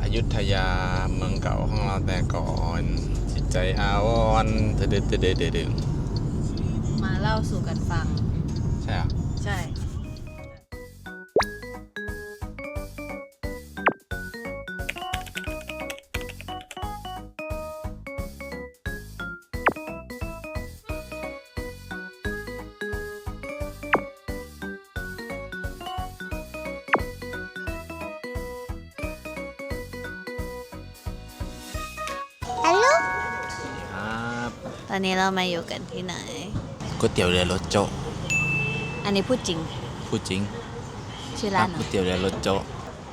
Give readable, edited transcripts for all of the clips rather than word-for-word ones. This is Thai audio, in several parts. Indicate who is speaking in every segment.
Speaker 1: ยุธยาเมืองเก่าของเราแต่ก่อนจิตใจอาวรณ์เดือ
Speaker 2: มาเล่าสู่กันฟัง
Speaker 1: ใช่เหรอ
Speaker 2: ใช่ฮัลโหล
Speaker 1: ครับ
Speaker 2: ตอนนี้เรามาอยู่กันที่ไหน
Speaker 1: ก๋วยเตี๋ยวเรือรสโจ๊ะ
Speaker 2: อันนี้พูดจริง
Speaker 1: พูดจริง
Speaker 2: ชื่อร้าน
Speaker 1: ก๋วยเตี๋ยวเรือรสโจ๊ะ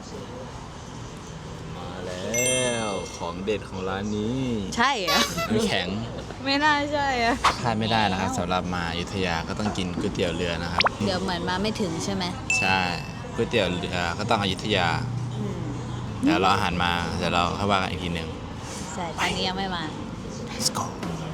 Speaker 1: มาแล้วของเด็ดของร้านนี้
Speaker 2: ใช่เหรอ
Speaker 1: น้ำแข็ง
Speaker 2: ไม่น่าใช่อะ
Speaker 1: พลาดไม่ได้นะครับสำหรับมาอยุธยาก็ต้องกินก๋วยเตี๋ยวเรือนะครับ
Speaker 2: เดี๋ยวเหมือนมาไม่ถึงใช่ไหม
Speaker 1: ใช่ก๋วยเตี๋ยวเรือก็ต้องอยุธยาเดี๋ยวเราอาหารมาเดี๋ยวเราเข้าว่ากันอีกทีหนึ่ง
Speaker 2: ใช่ตอนนี้ยังไม่มา
Speaker 1: Let's go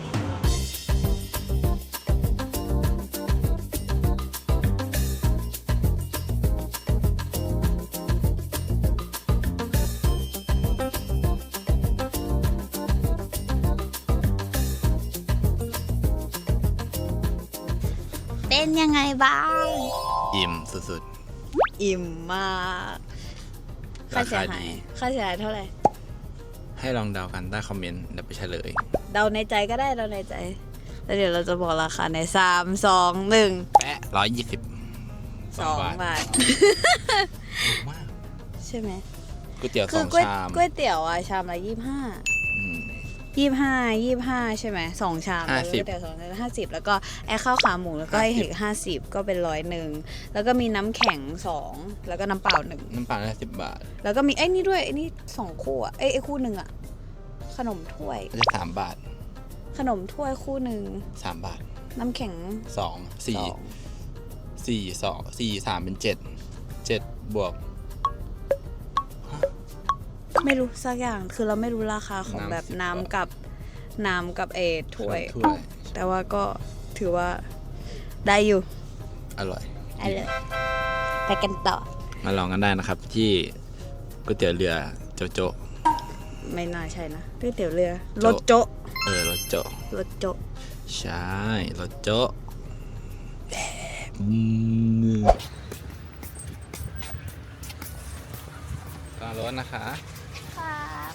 Speaker 2: เป็นยังไงบ้าง
Speaker 1: อิ่มสุด
Speaker 2: อิ่มมาก
Speaker 1: ๆ
Speaker 2: ค่า
Speaker 1: รา
Speaker 2: เสีย
Speaker 1: คา
Speaker 2: หา
Speaker 1: ดี
Speaker 2: ยค่าเสียหายเท่าไหร่
Speaker 1: ให้ลองเดากันใต้คอมเมนต์เดี๋ยวไปเฉลย
Speaker 2: เดาในใจก็ได้เดาในใจ แล้วเดี๋ยวเราจะบอกราคาใน3 2 1
Speaker 1: แปะ120
Speaker 2: 2 บาท
Speaker 1: ถูกมาก
Speaker 2: ใช่ไหม
Speaker 1: ก๋วยเตี๋ยว
Speaker 2: คือ
Speaker 1: 2 ชาม
Speaker 2: ก๋วยเตี๋ยวอะชามละ25
Speaker 1: อืม
Speaker 2: 25ใช่ไหม2 ชามแล้ว
Speaker 1: 50
Speaker 2: ก๋วยเตี๋ยว2 ชาม50แล้วก็ไอ้ข้าวขาหมูแล้วก็ไอ้เห็ด50ก็เป็น101แล้วก็มีน้ำแข็ง2แล้วก็น้ำเปล่า1
Speaker 1: น้ำเปล่าได้10 บาท
Speaker 2: แล้วก็มีไอ้นี่ด้วยไอ้นี่2 คู่อะไอ้คู่หนึ่งอะขนมถ้วย
Speaker 1: ก็จะ3 บาท
Speaker 2: ขนมถ้วยคู่หนึ่ง
Speaker 1: 3 บาท
Speaker 2: น้ำแข็ง
Speaker 1: 2
Speaker 2: 2
Speaker 1: 4 3เป็น7 บวก
Speaker 2: ไม่รู้สักอย่างคือเราไม่รู้ราคาของ
Speaker 1: น้ำ
Speaker 2: แบบ
Speaker 1: 10
Speaker 2: น้ำกับถ้วย
Speaker 1: ถ้วย
Speaker 2: แต่ว่าก็ถือว่าได้อยู่
Speaker 1: อร่อย
Speaker 2: อะไรไปกันต่อ
Speaker 1: มาลองกันได้นะครับที่ก๋วยเตี๋ยวเรือโจโจ
Speaker 2: ไม่น่าใช่นะก๋วยเตี๋ยวเรือ
Speaker 1: โจ๊ะ
Speaker 2: รถโจ๊ะ
Speaker 1: รสโจ
Speaker 2: รถโจ๊ะ
Speaker 1: ใช่รสโจตอนรถนะคะ
Speaker 2: ครับ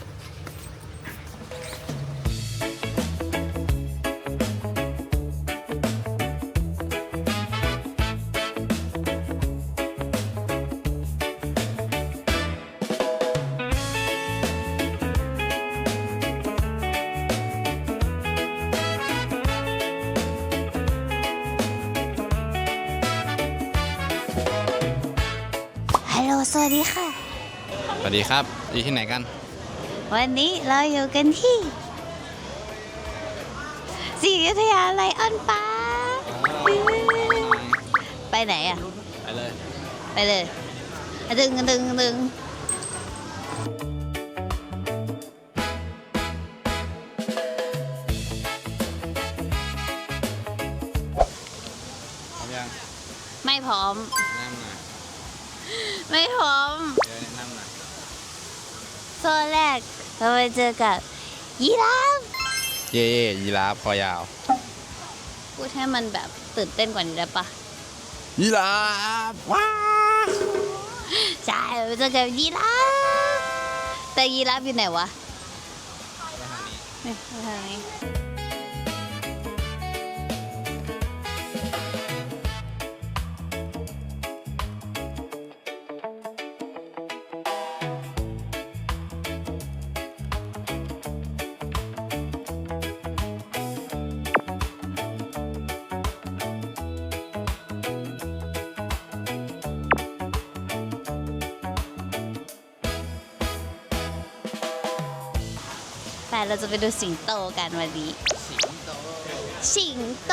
Speaker 2: ฮัลโหลสวัสดีค่ะ
Speaker 1: สวัสดีครับอยู่ที่ไหนกัน
Speaker 2: วันนี้เราอยู่กันที่ศรีอยุธยาไลออนปาร์คไปไหนอ่ะ
Speaker 1: ไปเลย
Speaker 2: ไปเลยอะดึงอะดึงอะดึง
Speaker 1: พร้อมยัง
Speaker 2: ไม่พร้อม
Speaker 1: แนะนำหน่อย
Speaker 2: ไม่พร้อม
Speaker 1: เดี๋ยวแนะนำหน่อย
Speaker 2: โซนแรกเราไปเจอกับยีราฟ
Speaker 1: เย่ยีราฟคอยาว
Speaker 2: พูดให้มันแบบตื่นเต้นกว่านี้ได้ปะ
Speaker 1: ยีราฟว้า
Speaker 2: ใช่เราไปเจอกับยีราฟแต่ยีราฟอยู่ไหนวะนี่ทางนี้แต่เราจะไปดูสิงโตกันวันนี้ สิงโต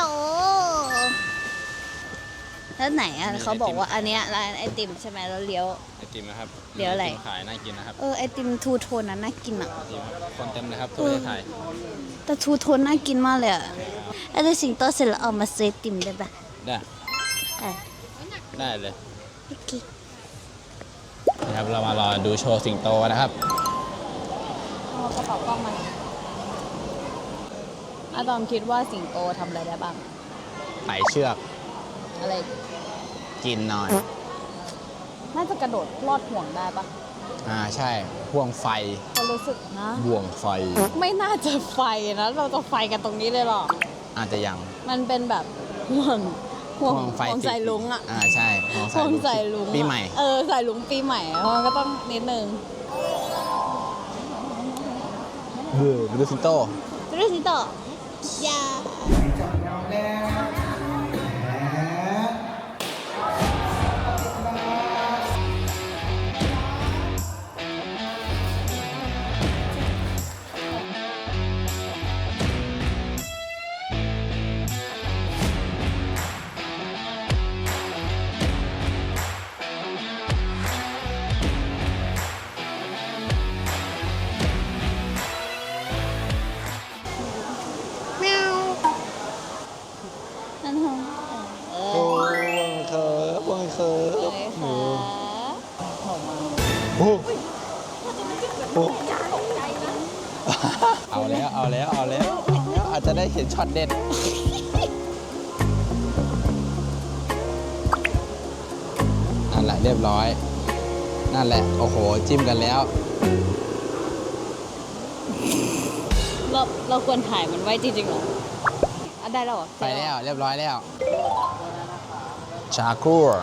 Speaker 2: แล้วไหนอ่ะเขาบอกว่าอันเนี้ยร้านไอติมใช่ไหมแล้วเลี้ยว
Speaker 1: ไอติมนะครับ
Speaker 2: เดี๋ยวอะไร
Speaker 1: ไติมขายน่ากินนะครับ
Speaker 2: ไอติมทูโทนนั้นน่ากินอ่ะ
Speaker 1: ไอติมครับคนเต็มเลยครับทั่วประเทศไทย
Speaker 2: แต่ทูโทนน่ากินมากเลยอ่ะแล้วดูสิงโตเสร็จแล้วเอามาซื้อไอติมได้ปะ
Speaker 1: ได้
Speaker 2: อ่ะ
Speaker 1: ได้เลย
Speaker 2: โอเค
Speaker 1: นะครับเรามารอดูโชว์สิงโตนะครับ
Speaker 2: เอากระเป๋ากล้องมาหน่อยอะตอมคิดว่าสิงโตทำอะไรได้บ้าง
Speaker 1: ไต่เชือก
Speaker 2: อะไรอีก
Speaker 1: กินหน่อย
Speaker 2: น่าจะกระโดดลอดห่วงได้ปะ
Speaker 1: ใช่ห่วงไฟ
Speaker 2: ก็รู้สึกนะ
Speaker 1: ห่วงไฟ
Speaker 2: ไม่น่าจะไฟนะ เราจะไฟกันตรงนี้เลยหรอ
Speaker 1: อาจจะยัง
Speaker 2: มันเป็นแบบห่วง
Speaker 1: ห่วงไฟ
Speaker 2: ห่วงใส่ลุงอะ
Speaker 1: ใช่ห่วง
Speaker 2: ห่วงใส่ลุงอะ
Speaker 1: ปีใหม่
Speaker 2: ใส่ลุงปีใหม่มันก็ต้องนิดนึง
Speaker 1: ไปดูสิงโต
Speaker 2: เรื่องนี้ต่อ ยา แมวนั่นหงเออ
Speaker 1: ห่วงเคิร์
Speaker 2: เลยค่ะหอมมา
Speaker 1: โอ้เอาแล้วอาจจะได้เห็นช็อตเด็ดนั่นแหละเรียบร้อย นั่นแหละ โอ้โห จิ้มกันแล้ว
Speaker 2: เราควรถ่ายมันไว้จริงๆเหรออ่ะได้แล้วเหรอ
Speaker 1: ไปแล้วเรียบร้อยแล้ว ชาคูร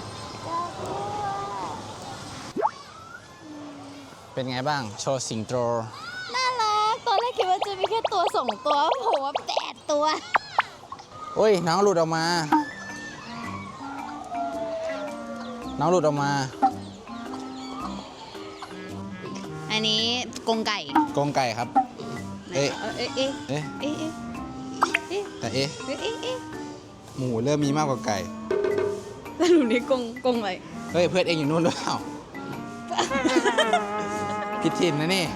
Speaker 1: เป็นไงบ้าง โชว์สิงโต
Speaker 2: น่ารัก ตอนแรกคิดว่าจะมีแค่ตัว2 ตัวโผล่มา8 ตัว
Speaker 1: โอ้ย น้องหลุดออกมา น้องหลุดออกมา
Speaker 2: อันนี้กรงไก่
Speaker 1: กรงไก่ครับ เอ๊ะ
Speaker 2: เอ๊ะเอ๊ะ
Speaker 1: เอ๊ะ
Speaker 2: เอ๊ะเอ๊ะ
Speaker 1: แต่เอ๊ะ
Speaker 2: เอ๊ะเอ๊ะเอ๊ะ
Speaker 1: หมูเริ่มมีมากกว่าไก่
Speaker 2: สรุปนี้กรงอะไร
Speaker 1: เฮ้ย เพื่อนเองอยู่นู่นหรือเปล่า ผิดถิ่นนะนี่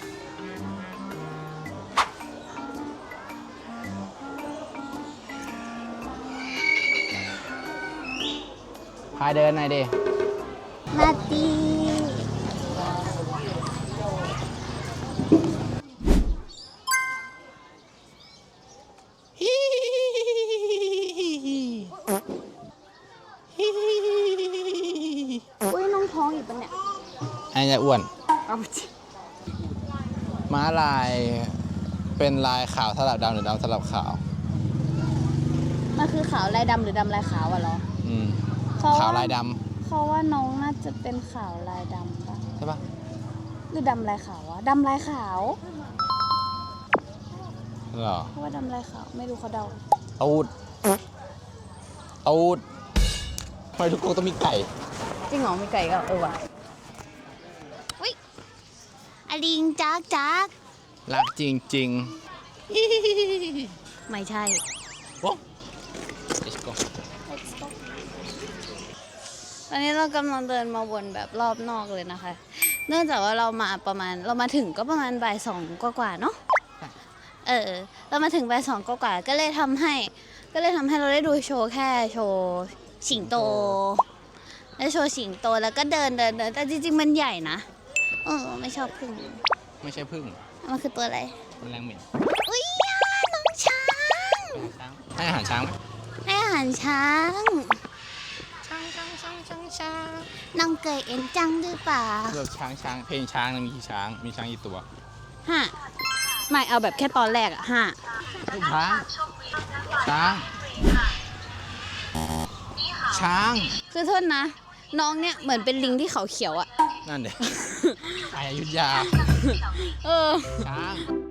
Speaker 1: พาเดินหน่อยดิ
Speaker 2: นาตี อุ้ยน้องท้องอีกปะเนี่ย
Speaker 1: ไอ้เนี่ยอ้วน
Speaker 2: เอาไปจิ
Speaker 1: ม้าลายเป็นลายขาวสลับดำหรือดำสลับขาว
Speaker 2: มันคือขาวลายดำหรือดำลายขาวอะเหรอ
Speaker 1: อืม
Speaker 2: เพระ
Speaker 1: ขาวลายด
Speaker 2: เขาว่าน้องน่าจะเป็นขาวลายดำปะ
Speaker 1: ำใช่ปะ
Speaker 2: หรือดำลายขาววะดำลายขาว
Speaker 1: เหรอ
Speaker 2: เพราะว่าดำลายขาวไม่รู้เขาเดา
Speaker 1: ตูดทำไมทุกคนต้องมีไก่
Speaker 2: จริงเหรอมีไก่ก็ว่ะอุ้ยอลิงจัก
Speaker 1: รักจริง
Speaker 2: ไม่ใช่
Speaker 1: ๆโอ้ Let's go
Speaker 2: ตอนนี้เรากำลังเดินมาวนแบบรอบนอกเลยนะคะ เนื่องจากว่าเรามาถึงก็ประมาณบ่าย2กว่าๆเนาะ เรามาถึงบ่าย2กว่าๆก็เลยทำให้เราได้ดูโชว์แค่โชว์สิงโตได้โชว์สิงโตแล้วก็เดินแต่จริงๆมันใหญ่นะ ไม่ชอบพึ่ง
Speaker 1: ไม่ใช่พึ่ง
Speaker 2: มันคือตัวอะไร
Speaker 1: มันแรงเหม็น
Speaker 2: อุ้ยน้องช้าง
Speaker 1: ให้อาหารช้างไหม
Speaker 2: ให้อาหารช้าง
Speaker 1: ช้าง
Speaker 2: น้องเกยเอ็นจังหรือเปล่า
Speaker 1: เลือกช้างเพลงช้างมีกี่ช้าง มีช้างกี่ตัว
Speaker 2: ห้าไม่เอาแบบแค่ตอนแรกอะ5
Speaker 1: ช้าง
Speaker 2: คือโทษนะ น้องเนี่ยเหมือนเป็นลิงที่เขาเขียวอะ
Speaker 1: นั่นเด็กไออยุธยา ช้าง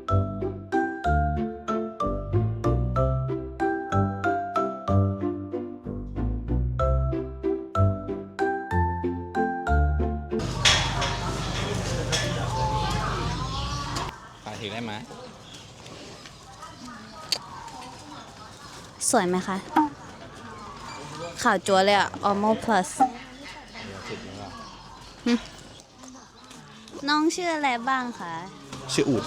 Speaker 1: ถ่ายถึงได้ไหม
Speaker 2: สวยไหมคะ ขาวจัวเลยอะ Almo Plus น้องชื่ออะไรบ้างคะ
Speaker 1: ชื่ออูด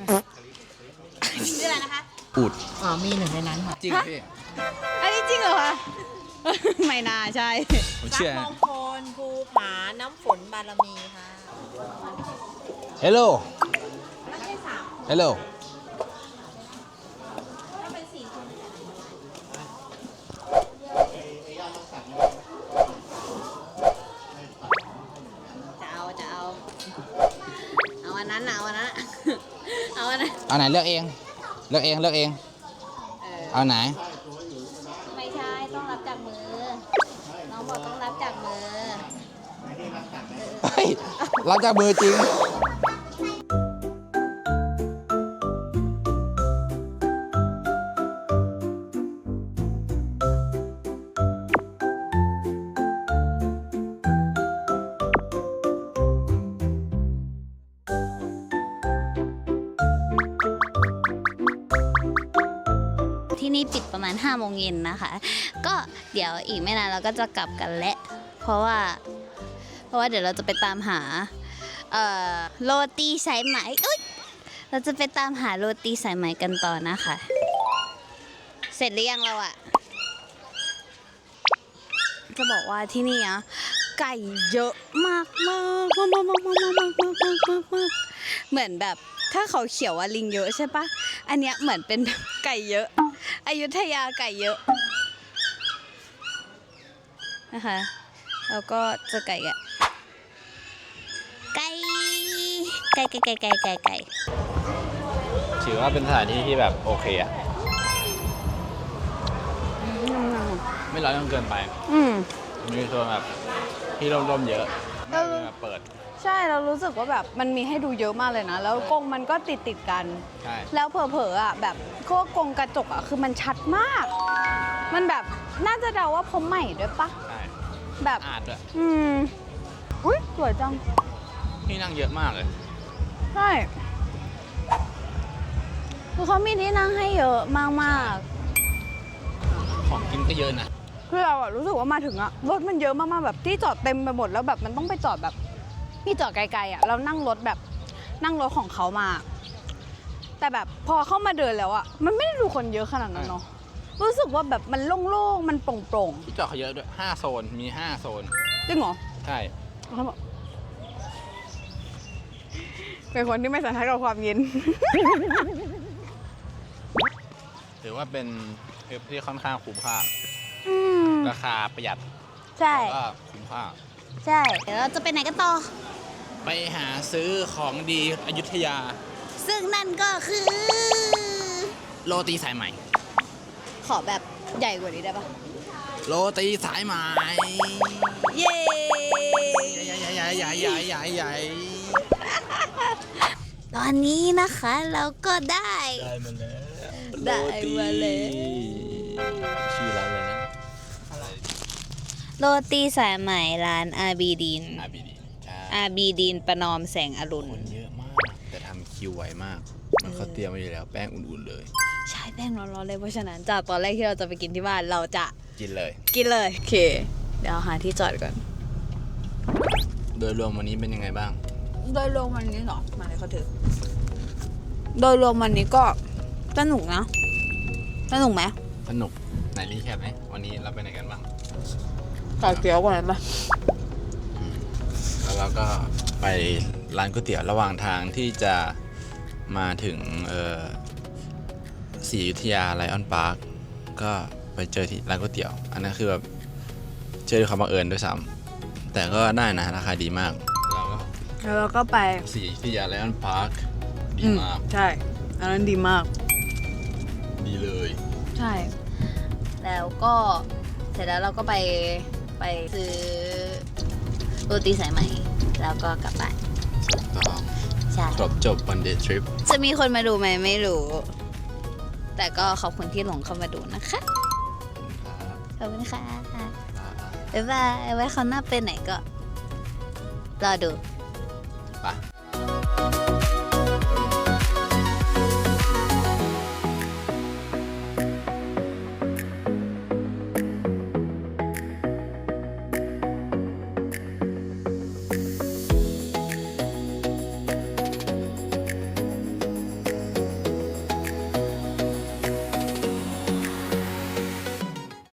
Speaker 2: ชื่ออะไรนะคะ
Speaker 1: อูด
Speaker 3: มีหนึ่งในนั้นค่ะ
Speaker 1: จริงเหรอพี่
Speaker 2: อันนี้จริงเหรอคะ ไม่น่าใช่
Speaker 1: ผม
Speaker 3: ทรั
Speaker 1: เชื่อ
Speaker 3: พย์มงคลภูผา น้ำฝนบารมีค่ะ
Speaker 1: Hello ฮัลโหล
Speaker 2: เอาอันนั้นนะเอาอันนั้นนะเอาอันนั้น
Speaker 1: เอาไหนเลือกเอง เลือกเอง เลือกเอง เอาไหน
Speaker 2: ไม่ใช่ต้องรับจากมือ น้องบอกต้องรับจากมือ
Speaker 1: เฮ้ยรับจากมือจริง
Speaker 2: ที่นี่ปิดประมาณ5 โมงเย็นนะคะ ก็เดี๋ยวอีกไม่นานเราก็จะกลับกันแล้วเพราะว่าเดี๋ยวเราจะไปตามหาโรตีสายไหมอุ๊ยเราจะไปตามหาโรตีสายไหมกันต่อนะคะ เสร็จหรือยังเราอะจะบอกว่าที่นี่อะไก่เยอะมากมากมากมากมากมากมากมากมากเหมือนแบบถ้าเขาเขียวว่าลิงเยอะใช่ปะอันเนี้ยเหมือนเป็นแบบไก่เยอะอยุธยาไก่เยอะนะคะแล้วก็เจอไก่อะไก่
Speaker 1: ถือว่าเป็นสถานที่ที่แบบโอเคอะไม่ร้อนจนเกินไป มีโซนแบบที่ร่มๆเยอะไม่ได้แบบเปิด
Speaker 4: ใช่เรารู้สึกว่าแบบมันมีให้ดูเยอะมากเลยนะ แล้วกรงมันก็ติดกัน
Speaker 1: ใช่
Speaker 4: แล้วเผลอๆอ่ะแบบพวกกรงกระจกอ่ะคือมันชัดมาก มันแบบน่าจะเดาว่าผมใหม่ด้วยปะ
Speaker 1: ใช่
Speaker 4: แบบ
Speaker 1: อาดด้วย
Speaker 4: อุ้ยสวยจัง
Speaker 1: ที่นั่งเยอะมากเลย
Speaker 4: ใช่คือเขามีที่นั่งให้เยอะมาก
Speaker 1: ของกินก็เยอะนะ
Speaker 4: ๆคือเราอะรู้สึกว่ามาถึงอะรถมันเยอะมากๆแบบที่จอดเต็มไปหมดแล้วแบบมันต้องไปจอดแบบที่จอดไกลๆอะเรานั่งรถแบบนั่งรถของเขามา แต่แบบพอเข้ามาเดินแล้วอะมันไม่ได้ดูคนเยอะขนาดนั้นเนาะรู้สึกว่าแบบมันโล่งๆมันโปร่ง
Speaker 1: ที่จอดเขาเยอะด้วย5โซน มี5โซน
Speaker 4: ๆจริงเหรอ
Speaker 1: ใช่
Speaker 4: เขาบอกเป็นคนที่ไม่สันทัดกับความเย็น
Speaker 1: ถือว่าเป็นทริปที่ค่อนข้างคุ้มค่า ราคาประหยัด
Speaker 2: ใช่
Speaker 1: แล้วก็คุ้มค่า
Speaker 2: ใช่เดี๋ยวเราจะไปไหนกันต่อ
Speaker 1: ไปหาซื้อของดีอยุธยา
Speaker 2: ซึ่งนั่นก็คือ
Speaker 1: โรตีสายไหม
Speaker 2: ขอแบบใหญ่กว่านี้ได้ปะ
Speaker 1: โรตีสายไหม
Speaker 2: เย้
Speaker 1: ใหญ่
Speaker 2: ตอนนี้นะคะเราก็ได้
Speaker 1: ได้มาแล้ว
Speaker 2: ได้มาแล้ว
Speaker 1: ชื่อร้านอะไรนะ
Speaker 2: โรตีสายไหมร้านอาบีดิน
Speaker 1: อาบีดีใช่
Speaker 2: อาบีดินประนอมแสงอรุณ
Speaker 1: คนเยอะมาก แต่ทำคิวไวมาก มันเขาเตรียมไว้อยู่แล้วแป้งอุ่นๆเลย
Speaker 2: ใช่แป้งร้อนๆเลยเพราะฉะนั้นจากตอนแรกที่เราจะไปกินที่บ้านเราจะ
Speaker 1: กินเลย
Speaker 2: กินเลย โอเค เดี๋ยวหาที่จอดก่อน
Speaker 1: โดยรวมวันนี้เป็นยังไงบ้าง
Speaker 4: โดยรวมวันนี้เหรอมาเลยเขาถือโดยรวมวันนี้ก็สนุกนะสนุกไหม
Speaker 1: สนุกไหนรีแคปไหมวันนี้เราไปไหนกันบ้าง
Speaker 4: ไก่เกี๊ยวกว่านั้นปะ
Speaker 1: แล้วเราก็ไปร้านก๋วยเตี๋ยวระหว่างทางที่จะมาถึงศรีอยุธยาไลออนพาร์คก็ไปเจอที่ร้านก๋วยเตี๋ยว อันนั้นคือแบบเจอด้วยความบังเอิญด้วยซ้ำแต่ก็ได้นะราคาดีมากแล้วก็
Speaker 4: แล้วเราก็ไป
Speaker 1: ศรีอยุธยาไลออนพาร์คดีมาก
Speaker 4: ใช่อันนั้นดีมาก
Speaker 1: ดีเลย
Speaker 4: ใช่
Speaker 2: แล้วก็เสร็จแล้วเราก็ไปซื้อโรตีสายไหมแล้วก็กลับบ้าน
Speaker 1: ต้อง
Speaker 2: ใช่
Speaker 1: ครบจบวันเดย์ทริป
Speaker 2: จะมีคนมาดูไหมไม่รู้ แต่ก็ขอบคุณที่หลงเข้ามาดูนะคะ ขอบคุณค่ะ บ๊ายบาย ไว้คราวหน้าไปไหนก็ รอดู
Speaker 1: ไป